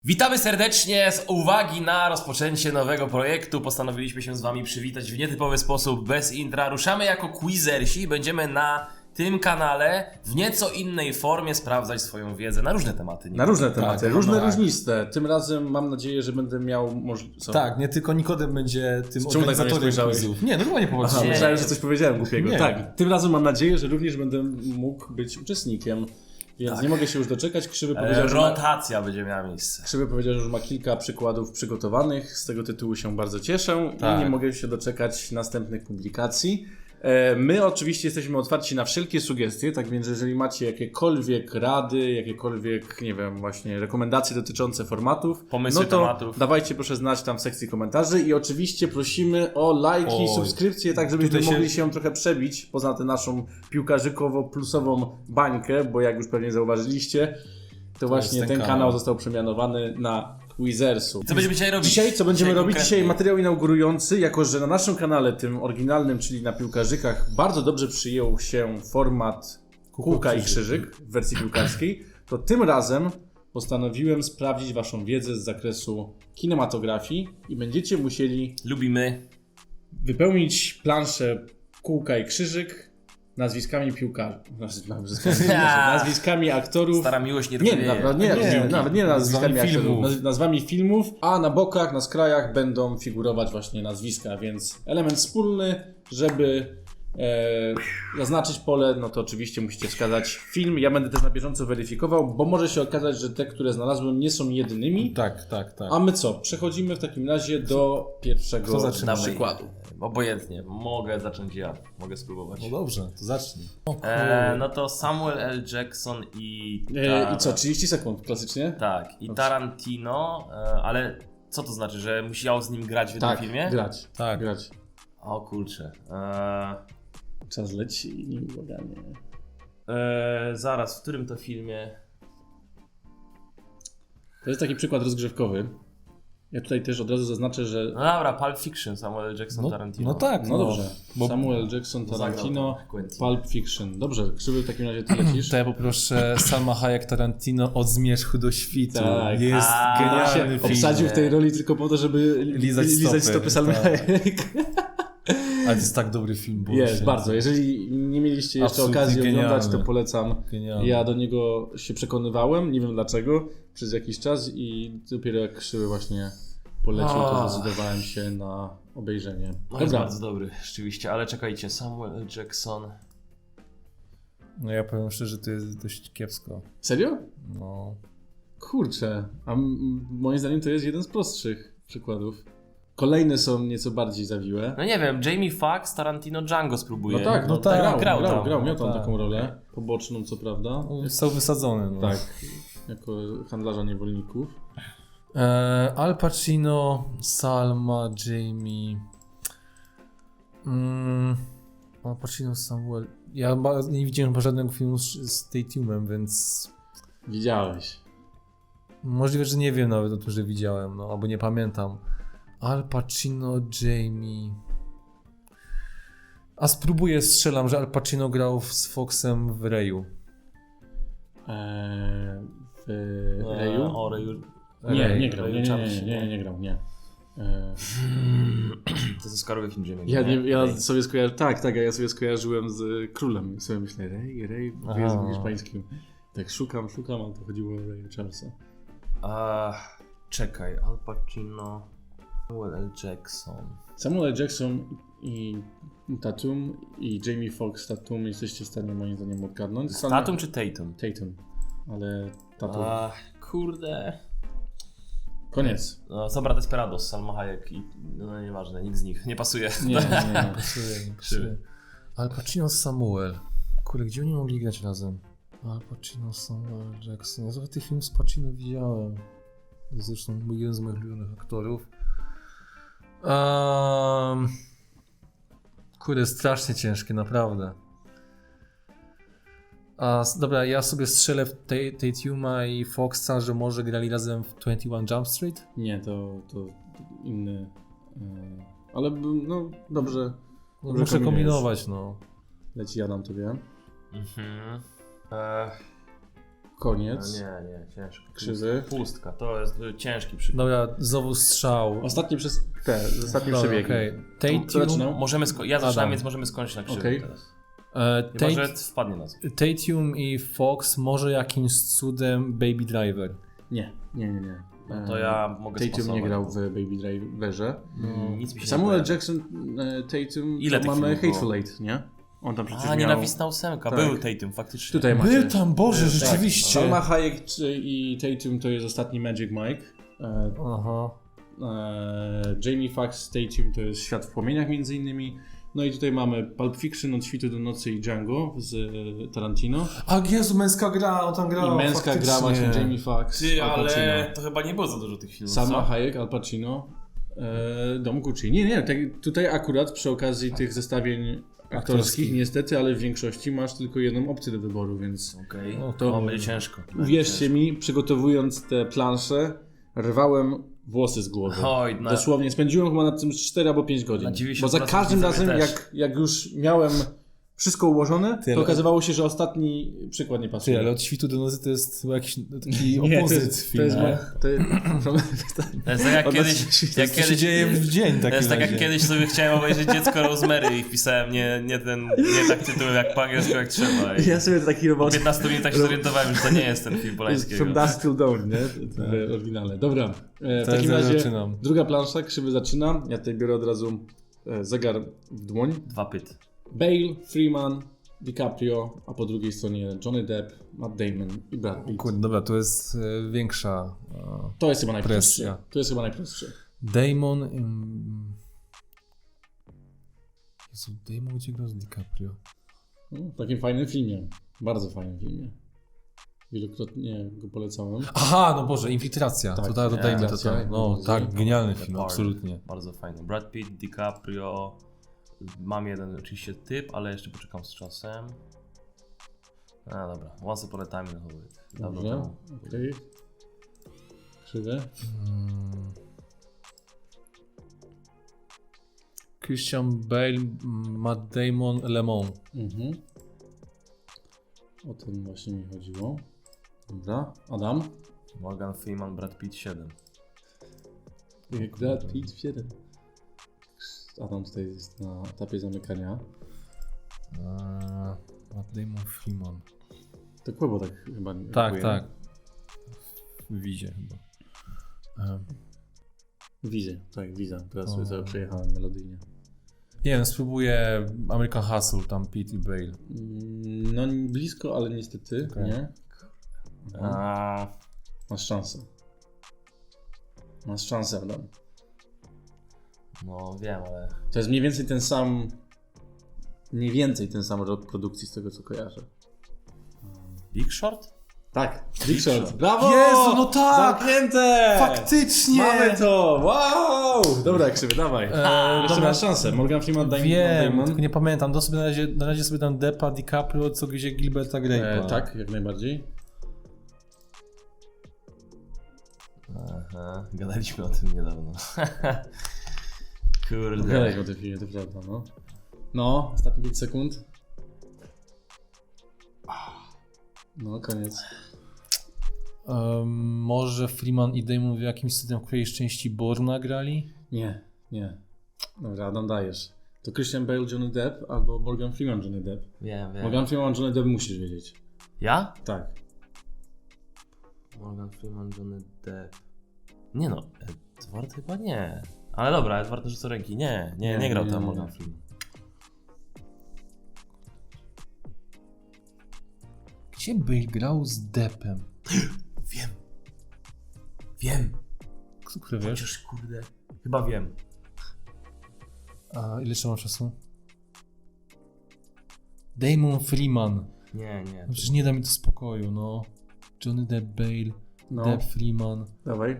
Witamy serdecznie. Z uwagi na rozpoczęcie nowego projektu postanowiliśmy się z wami przywitać w nietypowy sposób, bez intra. Ruszamy jako quizersi i będziemy na tym kanale w nieco innej formie sprawdzać swoją wiedzę na różne tematy. Na różne tematy, Tak, różne, tak. różniste. Tym razem mam nadzieję, że będę miał możliwość... Tak, nie tylko Nikodem będzie tym Czemu tak na mnie organizatorem spojrzałeś? quizów. Nie, normalnie Aha, popatrzyłem. myślałem, że coś powiedziałem głupiego. Nie. Tak, tym razem mam nadzieję, że również będę mógł być uczestnikiem. Więc Tak. nie mogę się już doczekać. Krzywy powiedział, Rotacja będzie miała miejsce. że już ma kilka przykładów przygotowanych. Z tego tytułu się bardzo cieszę Tak. i nie mogę się doczekać następnych publikacji. My oczywiście jesteśmy otwarci na wszelkie sugestie, tak więc jeżeli macie jakiekolwiek rady, jakiekolwiek, nie wiem, właśnie rekomendacje dotyczące formatów, Pomysły no to tematów. dawajcie proszę znać tam w sekcji komentarzy i oczywiście prosimy o lajki, Oj. subskrypcje, tak żebyśmy Tutaj mogli się trochę przebić poza tę naszą piłkarzykowo-plusową bańkę, bo jak już pewnie zauważyliście, to właśnie jest ten ten kanał kanał. został przemianowany na Quizersu. Co będziemy dzisiaj robić? Dzisiaj co będziemy robić? konkretnie? Dzisiaj materiał inaugurujący, jako że na naszym kanale, tym oryginalnym, czyli na piłkarzykach, bardzo dobrze przyjął się format kółka i krzyżyk w wersji piłkarskiej, to tym razem postanowiłem sprawdzić waszą wiedzę z zakresu kinematografii i będziecie musieli Lubimy. wypełnić planszę kółka i krzyżyk nazwiskami piłkarzy, nazwiskami aktorów. Stara miłość nie Nie, tkwi. nawet nie nazwiskami Nazwami aktorów, filmów. nazwami filmów, a na bokach, na skrajach będą figurować właśnie nazwiska, więc element wspólny, żeby zaznaczyć pole, no to oczywiście musicie wskazać film. Ja będę też na bieżąco weryfikował, bo może się okazać, że te, które znalazłem, nie są jedynymi. Tak. A my co? Przechodzimy w takim razie do pierwszego Kto zaczyna? przykładu. Obojętnie. Mogę zacząć ja. Mogę spróbować. No dobrze, to zacznij. No to Samuel L. Jackson i... I co? 30 sekund, klasycznie? Tak. I Dobrze. Tarantino, ale co to znaczy, że musiał z nim grać w jednym Tak, filmie? grać. Tak. Grać. O kurczę. Czas leci nieubłaganie. Zaraz, w którym to filmie? To jest taki przykład rozgrzewkowy. Ja tutaj też od razu zaznaczę, że... No dobra, Pulp Fiction, Samuel L. Jackson, Tarantino. No tak, No dobrze. Bo Samuel Jackson, Tarantino, Zagrał Quentin. Pulp Fiction. Dobrze, Krzywy, w takim razie ty lecisz. to ja poproszę Salma Hayek Tarantino od zmierzchu do świtu. Tak. Jest A, genialny film. Obsadził w tej roli tylko po to, żeby Lizać lizać stopy, stopy Salmy tak. Hayek. Ale to jest tak dobry film. bo Jest, się- bardzo. Jeżeli nie mieliście jeszcze Absolutnie okazji oglądać, genialny. to polecam. Genialny. Ja do niego się przekonywałem, nie wiem dlaczego, przez jakiś czas i dopiero jak Krzywy właśnie polecił, to zdecydowałem się na obejrzenie. No jest Dobra, bardzo dobry, rzeczywiście, ale czekajcie, Samuel L. Jackson. No ja powiem szczerze, to jest dość kiepsko. serio? No. Kurczę, a moim zdaniem to jest jeden z prostszych przykładów. Kolejne są nieco bardziej zawiłe. No nie wiem, Jamie Foxx, Tarantino, Django spróbuje. No tak, grał tam. miał tam tak. taką rolę poboczną, co prawda. Został wysadzony. No. Tak, jako handlarza niewolników. Al Pacino, Salma, Jamie. Al Pacino, Samuel. Ja nie widziałem chyba żadnego filmu z Tatumem, więc Widziałeś. możliwe, że nie wiem nawet o tym, że widziałem, no albo nie pamiętam. Al Pacino, Jamie. A spróbuję, strzelam, że Al Pacino grał z Foxem w Reju. W Reju? O Reju. Nie grał, nie grał, nie. To jest Oscarowy film Jamie. Ja sobie skojarzyłem, tak, ja sobie skojarzyłem z Królem i sobie myślę, Rej w języku hiszpańskim. Tak szukam, ale to chodziło o Raya Charlesa. Czekaj, Al Pacino, Samuel L. Jackson. Samuel L. Jackson i Tatum i Jamie Foxx Tatum jesteście w stanie moim zdaniem odgadnąć. Tatum czy Tatum? Tatum, ale Tatum. Kurde. Koniec. No, Sobra Desperados, Salma Hayek i no nieważne, nikt z nich nie pasuje. Nie. Pasuje. Al Pacino, Samuel. Kurde, gdzie oni mogli grać razem? Al Pacino, Samuel Jackson. Ja tych filmów z Pacino widziałem. Zresztą jeden z moich ulubionych aktorów. Kurde, strasznie ciężkie, naprawdę. Dobra, ja sobie strzelę w Tatuma i Foxa, że może grali razem w 21 Jump Street? Nie, to inny. Ale no dobrze. No, muszę kombinować, no. Leci Adam tobie. Koniec. Nie, ciężko. Krzywy. Pustka, to jest ciężki przykład. Dobra, znowu strzał. Ostatnie ostatnie Dobra, przebiegi. okej. Kto zaczynał? Ja zaczynam, Adam. więc możemy skończyć na krzywy Okej. teraz. Chyba, że wpadnie nas. Tatum i Fox, może jakimś cudem Baby Driver. Nie. No to ja mogę Tatum spasować. nie grał w Baby Driverze. Nic mi się Samuel nie kojarzy. Jackson, Tatum, Ile to tych mamy filmów Hateful Eight, nie? On tam przecież A, miał... nienawistna ósemka. Tak. Był Tatum, faktycznie. Tutaj macie. Był tam, Boże, Tak. rzeczywiście. Salma Hayek i Tatum to jest ostatni Magic Mike. Aha. Jamie Foxx, Tatum to jest Świat w płomieniach między innymi. No i tutaj mamy Pulp Fiction, Od świtu do nocy i Django z Tarantino. A Jezu, męska gra, on tam grał. I męska gra właśnie Jamie Foxx, Ty, Al Pacino. ale to chyba nie było za dużo tych filmów, Salma co? Hayek, Al Pacino, Dom Gucci. Nie, tutaj akurat przy okazji tych zestawień aktorskich niestety, ale w większości masz tylko jedną opcję do wyboru, więc Okej, to- będzie ciężko. uwierzcie mi, przygotowując te plansze, rwałem włosy z głowy. Oj, Dosłownie, spędziłem chyba nad tym 4 albo 5 godzin. Na 90% Bo za każdym razem, też. jak już miałem wszystko ułożone, Ty, to ale- okazywało się, że ostatni przykład nie pasuje. Ty, ale od świtu do nocy to jest chyba jakiś taki Nie, opozyt film. to jest To jest tak jak Od kiedyś, nas- jak To się kiedyś, dzieje w dzień to taki jest tak jak kiedyś sobie chciałem obejrzeć Dziecko Rosemary i wpisałem nie tak tytuł jak po angielsku jak trzeba. I Ja sobie taki po robot 15 minutach się zorientowałem, że to nie jest ten film Polańskiego. From Dusk Till Dawn, nie? W oryginale. Dobra, w takim ja razie zaczynam. druga plansza, Krzywy zaczyna. Ja tutaj biorę od razu zegar w dłoń. 2 pyt. Bale, Freeman, DiCaprio, a po drugiej stronie Johnny Depp, Matt Damon i Brad Pitt. Kurde, dobra, to jest większa To jest chyba najprostsze. presja. To jest chyba najprostsze. Damon... Jezu, Damon gdzie grał z DiCaprio? W takim fajnym filmie. Bardzo fajnym filmie. Wielokrotnie go polecałem. Aha, no Boże, Infiltracja. Tak, to dajmy to Infiltracja, tam. No Infiltracja. tak, genialny The film, Park. absolutnie. Bardzo fajny. Brad Pitt, DiCaprio. Mam jeden oczywiście typ, ale jeszcze poczekam z czasem. A dobra, Once Upon a Time in Hollywood. Dawno Dobrze, temu. okej. Krzywe. Christian Bale, Matt Damon, Le Mans. Mhm. O tym właśnie mi chodziło. Dobra, Adam. Morgan Freeman, Brad Pitt 7. Brad Pitt 7. Adam tutaj jest na etapie zamykania. Matt Damon, Freeman. To Kłebo tak chyba nie Tak, reaguje. tak. W Wizie chyba. Wizę, tak, Wiza. Teraz O. sobie przejechałem melodyjnie. Nie wiem, spróbuję American Hustle, tam Pitt i Bale. No blisko, ale niestety Okej. nie. A, Masz szansę. Masz szansę, Adam. no wiem, ale... To jest mniej więcej ten sam... Mniej więcej ten sam rok produkcji z tego, co kojarzę. Big Short? Tak, Big Short. Brawo! Jezu, no tak! Zamknięte! Faktycznie! Mamy to! Wow! Dobra, Krzywy, dawaj. Jeszcze dobra. masz szansę. Morgan Freeman, Wiem, Damon. tylko nie pamiętam. Na razie sobie dam Deppa, DiCaprio, co gdzie Gilberta Grape'a. Tak, jak najbardziej. Aha, gadaliśmy o tym niedawno. Kurde. Gadaliśmy o tym filmie, to prawda, no. No, ostatnie 5 sekund. No, koniec. Może Freeman i Damon w jakimś cudem w którejś części Bourna grali? Nie. Dobra, Adam, dajesz. To Christian Bale, Johnny Depp albo Morgan Freeman, Johnny Depp. Wiem. Morgan Freeman, Johnny Depp musisz wiedzieć. Ja? Tak. Morgan Freeman, Johnny Depp. Nie no, Edward chyba nie. Ale dobra, Edward rzuca ręki. Nie grał tam Morgan Freeman. Gdzie Bale grał z Deppem? Wiem. Który wiesz? Chociaż kurde. Chyba wiem. A ile trzeba czasu? Damon Freeman. Nie. No przecież nie da mi to spokoju, no. Johnny Depp, Bale, No, Depp, Freeman. dawaj.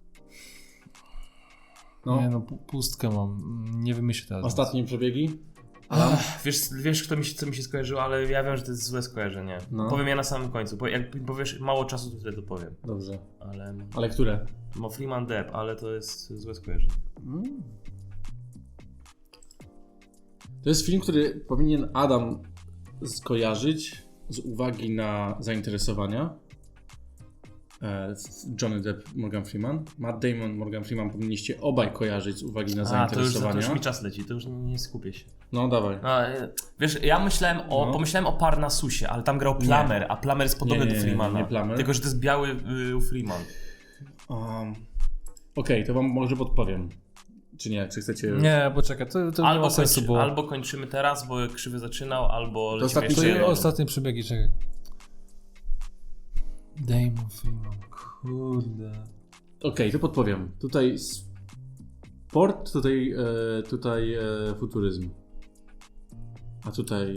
No, Nie no, pustkę mam. Nie wymyślę teraz. ostatnie przebiegi. Wiesz co mi się skojarzyło, ale ja wiem, że to jest złe skojarzenie. No. Powiem ja na samym końcu. Jak mi powiesz mało czasu, to wtedy to powiem. Dobrze. Ale... Ale które? Freeman Depp, ale to jest złe skojarzenie. To jest film, który powinien Adam skojarzyć z uwagi na zainteresowania. Johnny Depp, Morgan Freeman. Matt Damon, Morgan Freeman powinniście obaj kojarzyć z uwagi na To zainteresowania. już mi czas leci, to już nie skupię się. No dawaj. Wiesz, ja pomyślałem o Parnasusie, ale tam grał Plummer, a Plummer jest podobny do Freemana. nie Plummer. Tylko, że to jest biały Freeman. Okej, to wam może podpowiem. Czy nie? Czy chcecie... Nie, poczekaj, to nie ma sensu, bo... Albo kończymy teraz, bo Krzywy zaczynał, albo lecimy ostatni jeszcze to jedną. Ostatnie przebiegi, czekaj. Damon Freeman, kurde. Okej, to podpowiem. Tutaj sport, tutaj futuryzm. A tutaj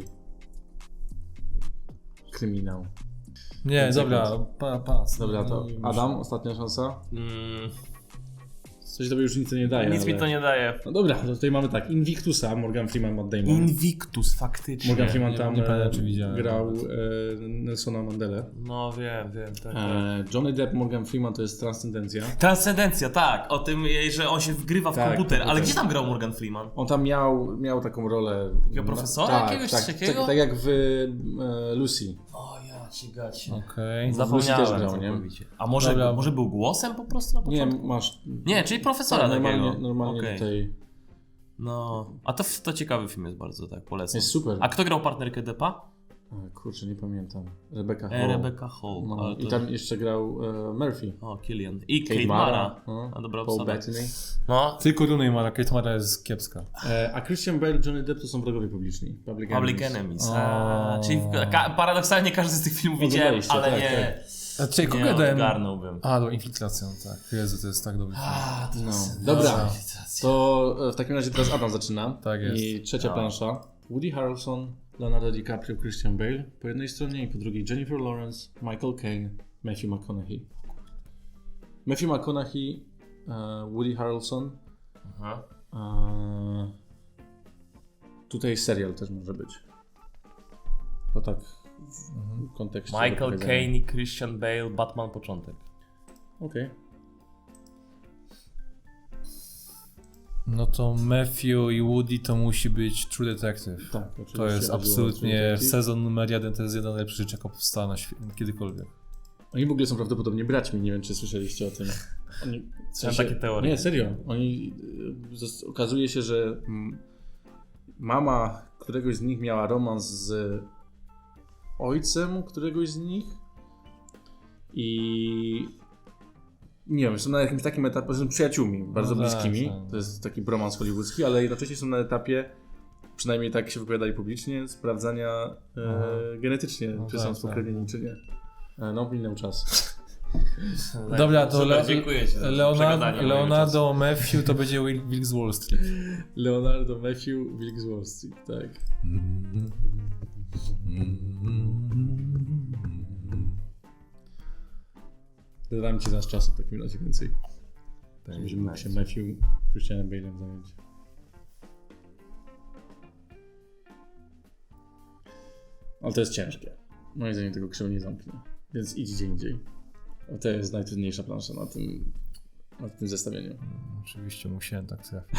kryminał. Nie, dobra, pas. Dobra, to Adam, ostatnia szansa. Coś tobie już nic nie daje. Nic mi to nie daje. No dobra, to tutaj mamy tak. Invictusa, Morgan Freeman, Matt Damon. Invictus, faktycznie. Morgan Freeman nie tam pamiętam, czy widziałem grał Nelsona Mandelę. No wiem, tak. Johnny Depp, Morgan Freeman to jest Transcendencja. Transcendencja, tak. O tym, że on się wgrywa w Tak, komputer. Ale komputer. gdzie tam grał Morgan Freeman? On tam miał taką rolę... Takiego profesora jakiegoś takiego? Tak jak w Lucy. O ja ci gacie. Okej. Lucy Zapomniałem też grał, nie? całkowicie. A Dobra. może był głosem po prostu na Nie, początku? masz... Nie, czyli profesora takiego. Normalnie Okej. tutaj... No, a to ciekawy film jest bardzo, tak, polecam. Jest super. A kto grał partnerkę Deppa? Kurczę, nie pamiętam. Rebecca Hall. Rebecca Hall. No, Ale i to... tam jeszcze grał Murphy. O, Killian. I Kate Mara. A dobra Paul obsada. Bettany. No, Tylko Rooney Mara, Kate Mara jest kiepska. A Christian Bale, Johnny Depp to są wrogowie publiczni. Public Enemies. O. Czyli paradoksalnie każdy z tych filmów widziałem, Oglądaliście, ale tak, nie, A czekaj, kogo nie ja dałem? ogarnąłbym. A, do Infiltracją, tak. Jezu, to jest tak dobry film. No. Dobra. Dobra, to w takim razie teraz Adam zaczyna. Tak jest. I trzecia plansza. Woody Harrelson, Leonardo DiCaprio, Christian Bale po jednej stronie i po drugiej Jennifer Lawrence, Michael Caine, Matthew McConaughey. Matthew McConaughey, Woody Harrelson. Aha. Tutaj serial też może być. To tak w kontekście. Michael opowiadania. Caine i Christian Bale, Batman początek. Okej. No to Matthew i Woody to musi być True Detective. Tak, oczywiście. To jest chodziło o absolutnie True Detective. sezon numer 1, to jest jedna z najlepszych rzeczy, jaka powstała na kiedykolwiek. Oni w ogóle są prawdopodobnie braćmi, nie wiem czy słyszeliście o tym. Oni, Mam takie teorie. Nie, serio. Oni, okazuje się, że mama któregoś z nich miała romans z ojcem któregoś z nich i nie wiem, są na jakimś takim etapie, są przyjaciółmi, bardzo No tak, bliskimi. tak. To jest taki bromans hollywoodzki, ale jednocześnie są na etapie, przynajmniej tak się wypowiadali publicznie, sprawdzania genetycznie, No czy tak, są spokrewnieni, czy nie. No, minął czas. Dobra, to Super, dziękuję ci za przegadanie mojego Leonardo Matthew to będzie Wilk z Wall Street. Leonardo Matthew, Wilk z Wall Street, tak. Dodam ci nasz czasu w takim razie więcej. Żebyś mógł się Matthew Christianem Bale'em zająć. Ale to jest ciężkie. Moim zdaniem tego krzywo nie zamknie. Więc idź gdzie indziej. A to jest najtrudniejsza plansza na tym zestawieniu. Oczywiście musiałem tak trafić.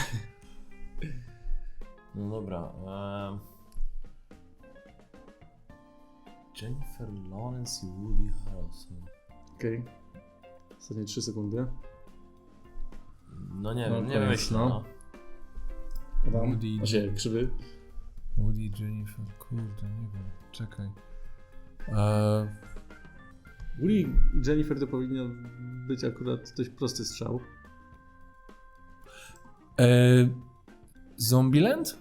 No dobra. Jennifer Lawrence i Woody Harrelson. Okej. Ostatnie 3 sekundy. No nie No wiem, nie koniec, myślę. no. No. Adam, Woody. krzywy. Woody, Jennifer, kurde, nie wiem, czekaj. Woody i Jennifer to powinien być akurat dość prosty strzał. Zombieland?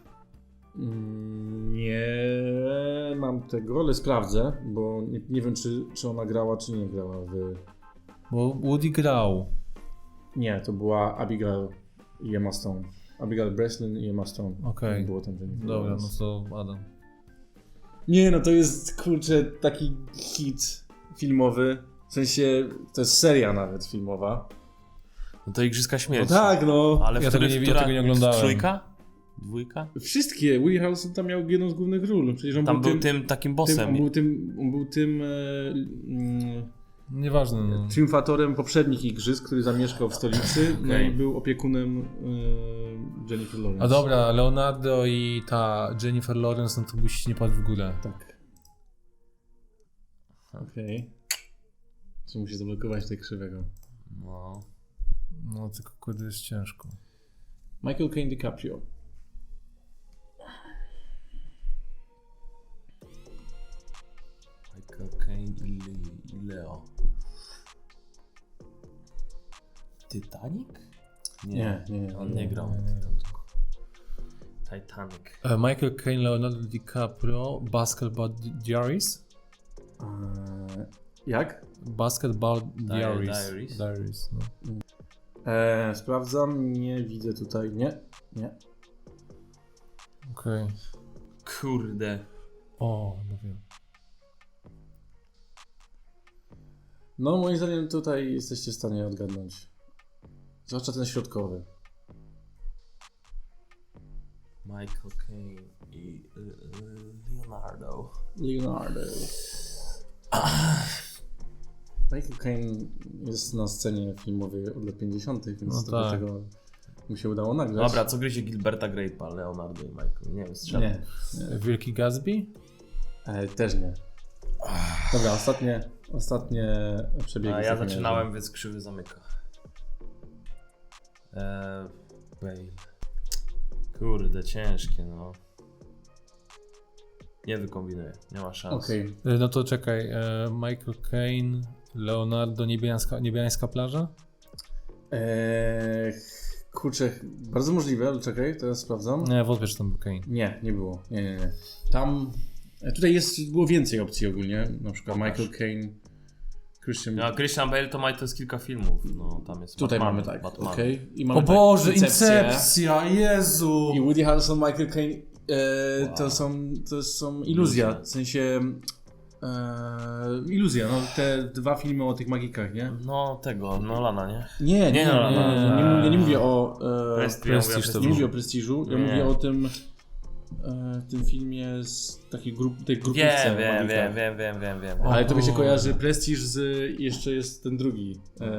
Nie mam tego, ale sprawdzę, bo nie wiem czy ona grała, czy nie grała w... Bo Woody grał. Nie, to była Abigail i Emma Stone. Abigail Breslin i Emma Stone. Okej. Nie było tam Jennifer Dobra, Lawrence. no to Adam. Nie, no to jest, kurczę, taki hit filmowy. W sensie, to jest seria nawet filmowa. No to Igrzyska No Śmierci. tak, no. Ale Ja tego nie oglądałem. Trójka? Dwójka? Wszystkie. Woody Harrelson tam miał jedną z głównych ról. Przecież on Tam był tym, tym takim bossem. on był tym Nieważne, no. triumfatorem poprzednich igrzysk, który zamieszkał w stolicy, no Okej. i był opiekunem Jennifer Lawrence. A dobra, Leonardo i ta Jennifer Lawrence, no to musi nie padł w górę. Tak. Okej. Czy musi zablokować tej krzywego. No. No tylko kurde jest ciężko. Michael Caine DiCaprio. Michael Caine i Leo. Titanic? Nie. On nie grał. Nie grał. Titanic. Michael Caine, Leonardo DiCaprio, Basketball Diaries? Jak? Basketball Diaries. Diaries? No. Sprawdzam, nie widzę tutaj. Nie. Okej. Kurde. O, no wiem. No moim zdaniem tutaj jesteście w stanie odgadnąć. Zwłaszcza ten środkowy. Michael Caine i Leonardo. Michael Caine jest na scenie filmowej od lat 50., więc No do tak. tego mu się udało nagrać. Dobra, co gryzie Gilberta Grape'a, Leonardo i Michael? Nie wiem, strzelam. Nie. Wielki Gatsby? Też nie. Dobra, ostatnie przebiegi. A w ja takim zaczynałem, razie. więc krzywy zamyka. Bale. Kurde, ciężkie, no. Nie wykombinuję, nie ma szans. Okej. No to czekaj. Michael Caine, Leonardo, Niebiańska plaża? Kurczę, bardzo możliwe, ale czekaj, teraz sprawdzam. Nie, wątpię, że tam był Caine. Nie było. Nie. Tam. Tutaj było więcej opcji ogólnie. Na przykład Pokaż. Michael Caine, Christian. No, Christian Bale to jest kilka filmów, no tam jest Tutaj Batman, mamy tak. Batman. Okej. I mamy O Boże, tak, Incepcja, Jezu! I Woody Harrelson, Michael Caine to są iluzja. W sensie iluzja, no te dwa filmy o tych magikach, nie? No tego, Nolana, nie? Nie. Ja nie mówię o Prestige to nie mówię o Prestiżu, ja Nie. mówię o tym filmie z takiej tej grupówce o magikach. Wiem. Ale to mi się O. kojarzy Prestiż jeszcze jest ten drugi.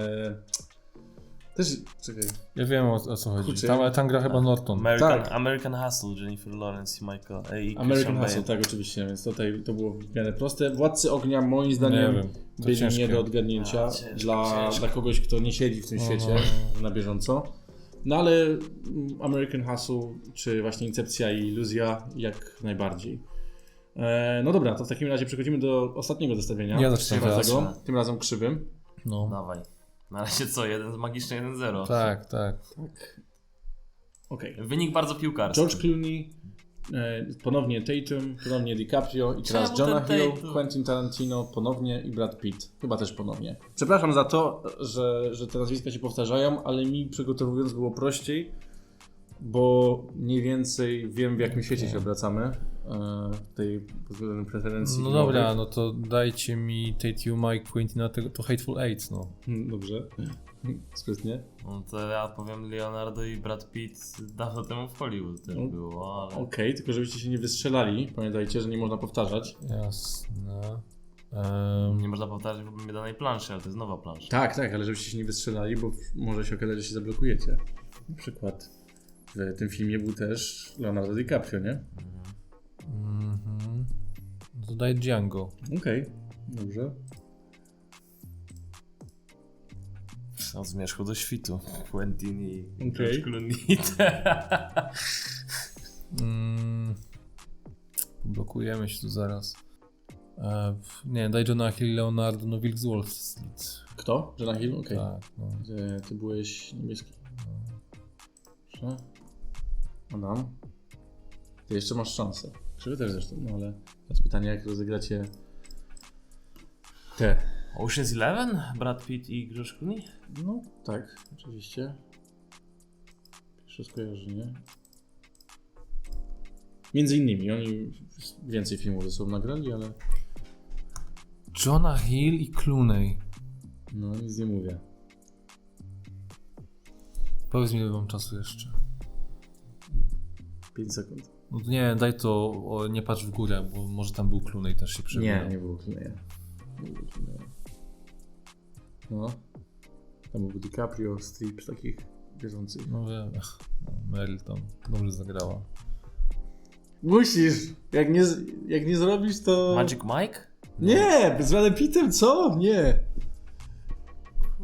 Też, czekaj. Ja wiem o co chodzi. Kurczę. Tam gra chyba Norton. Tak. American Hustle, Jennifer Lawrence i Michael i American Christian Hustle, Bale. tak oczywiście, więc tutaj to było w miarę proste. Władcy Ognia moim Nie zdaniem wiem, to byli ciężkie. nie do odgadnięcia Ciężko. dla kogoś, kto nie siedzi w tym świecie na bieżąco. No ale American Hustle, czy właśnie Incepcja i Iluzja jak najbardziej. No dobra, to w takim razie przechodzimy do ostatniego zestawienia. Ja zacznę teraz. Tym razem krzywym. No. Dawaj. Na razie co? Magiczny 1-0. Tak. Okej. Wynik bardzo piłkarski. George Clooney, ponownie Tatum, ponownie DiCaprio i teraz Czemu Jonah ten Hill, Tatum? Quentin Tarantino ponownie i Brad Pitt. Chyba też ponownie. Przepraszam za to, że te nazwiska się powtarzają, ale mi przygotowując było prościej, bo mniej więcej wiem w jakim świecie się obracamy tej pod względem preferencji. No filmowych. dobra, no to dajcie mi Tatuma i Quentina to Hateful Eight, no. Dobrze. Sprytnie. No to ja powiem Leonardo i Brad Pitt dawno temu w Hollywood też No. było, ale... Okej, tylko żebyście się nie wystrzelali. Pamiętajcie, że nie można powtarzać. Jasne. Nie można powtarzać w danej planszy, ale to jest nowa plansza. Tak, ale żebyście się nie wystrzelali, bo może się okazać, że się zablokujecie. Na przykład w tym filmie był też Leonardo DiCaprio, nie? Mhm. No to daj Django. Okej, dobrze. Od zmierzchu do świtu. Quentin i Okej. George Clooney. Blokujemy się tu zaraz. Nie, daj Johna Hill, Leonardo, no Wilk z Wall Street. Kto? Jonah Hill? Okej. Tak, no. Ty byłeś niebieski. Dobrze. Adam. Ty jeszcze masz szansę. Krzywy też zresztą, no ale teraz pytanie, jak rozegracie te. Ocean's 11? Brad Pitt i George Clooney? No, tak, oczywiście. Pierwsze skojarzenie. Między innymi, oni więcej filmów ze sobą nagrali, ale Jonah Hill i Clooney. no nic nie mówię. Powiedz mi, ile mam czasu jeszcze. 5 sekund. No to nie, daj to, nie patrz w górę, bo może tam był Clooney, też się przewijał. Nie było Clooney'a. No. Tam był DiCaprio, Strip, takich bieżących. No wiem, Meryl tam dobrze zagrała. Musisz! Jak nie zrobisz, to... Magic Mike? Nie! Z Bradem Pittem, co? Nie!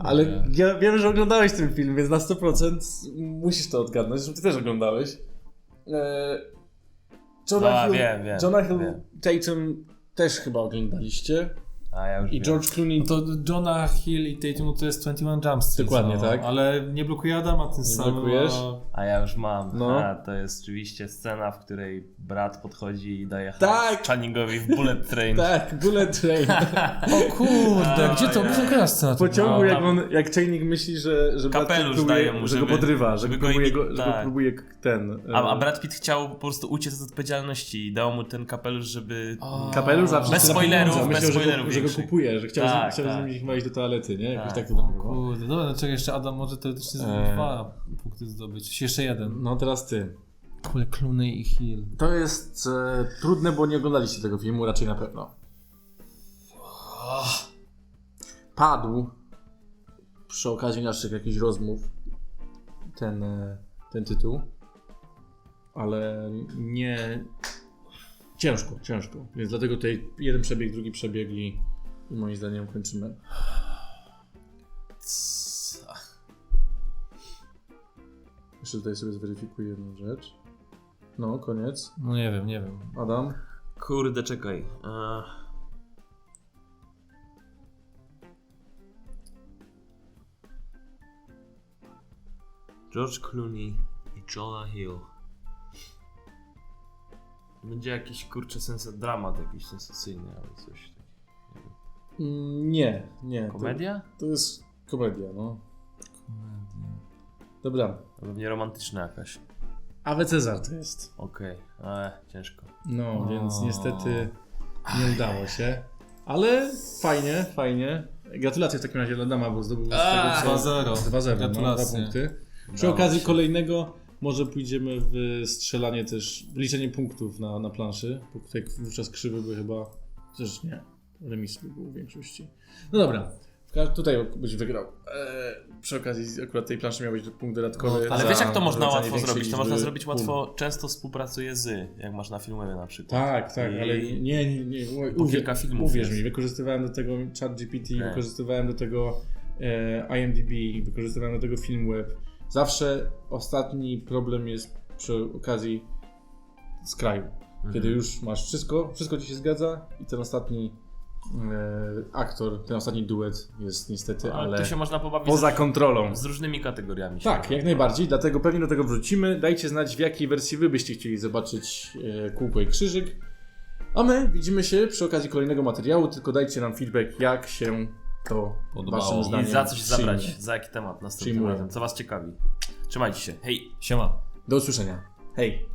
Ale ja wiem, że oglądałeś ten film, więc na 100% musisz to odgadnąć, zresztą ty też oglądałeś. Wiem. Johna Hill Tatum też chyba oglądaliście. A ja już I wiem. George Clooney. No to Johna Hill i Tatum to jest 21 Jump Street. Dokładnie, tak. Ale nie blokuje Adama ten sam. blokujesz? A ja już mam. No. A, to jest oczywiście scena, w której brat podchodzi i daje Tak! Channingowi w Bullet Train. Tak, Bullet Train. O kurde, gdzie to? Gdzie to scena? W pociągu, No, jak tam- jak Channing myśli, że brat Kapelusz próbuje, daje mu, że go żeby- podrywa, że żeby go go próbuje, imi- że go tak. próbuje ten... A Brad Pitt chciał po prostu uciec od odpowiedzialności i dał mu ten kapelusz, żeby... Kapelusz, a Bez wszyscy na spoilerów, pieniądze. bez Myślał, spoilerów że go większych. kupuje, że chciał Tak, z tak. nimi chyba iść do toalety, nie? Jakoś Tak. tak to tam było. Kurde, dobra, no czekaj, jeszcze Adam może teoretycznie Eee. 2 punkty zdobyć. Jeszcze jeden. No teraz ty. Kurde, Clooney i Hill. To jest trudne, bo nie oglądaliście tego filmu, raczej na pewno. Padł przy okazji naszych jakichś rozmów ten tytuł, ale nie... Ciężko. Więc dlatego tutaj jeden przebieg, drugi przebieg i moim zdaniem kończymy. Jeszcze tutaj sobie zweryfikuję jedną rzecz. No, koniec. No nie wiem. Adam? Kurde, czekaj. George Clooney i Jonah Hill. Będzie jakiś, kurczę, dramat jakiś sensacyjny, ale coś takiego. Nie. Komedia? To jest komedia, no. Dobra. To pewnie romantyczna jakaś. Awe Cezar to jest. Okej, ciężko. No, więc niestety nie udało się. Ale fajnie. Gratulacje w takim razie dla Adama, bo zdobył z tego co... 2-0. 2-0, no, 2 Gratulacje. punkty. Przy Udało okazji się. kolejnego może pójdziemy w strzelanie też, w liczenie punktów na planszy, bo tutaj wówczas krzywy by chyba też nie, remis by był w większości. No dobra, tutaj byś wygrał. Przy okazji akurat tej planszy miał być punkt dodatkowy. Ale za wiesz, jak to można wrzucanie łatwo większej zrobić? To można liczby zrobić pól. łatwo, często współpracuje jak masz na filmowie na przykład. Tak, I- ale nie. Po kilka filmów Uwierz jest. mi, wykorzystywałem do tego ChatGPT, Tak. wykorzystywałem do tego IMDb, wykorzystywałem do tego Filmweb. Zawsze ostatni problem jest przy okazji z kraju. Kiedy już masz wszystko ci się zgadza i ten ostatni aktor, ten ostatni duet jest niestety, Ale ale tu się można pobawić poza kontrolą. z różnymi kategoriami. Tak, jak najbardziej, dlatego pewnie do tego wrócimy. Dajcie znać, w jakiej wersji wy byście chcieli zobaczyć kółko i krzyżyk. A my widzimy się przy okazji kolejnego materiału, tylko dajcie nam feedback, jak się to Podobało. waszym I zdaniem I za coś przyjmie. zabrać, za jaki temat następnym Przyjmuję. razem, co was ciekawi. Trzymajcie się, hej! Siema. Do usłyszenia. Hej!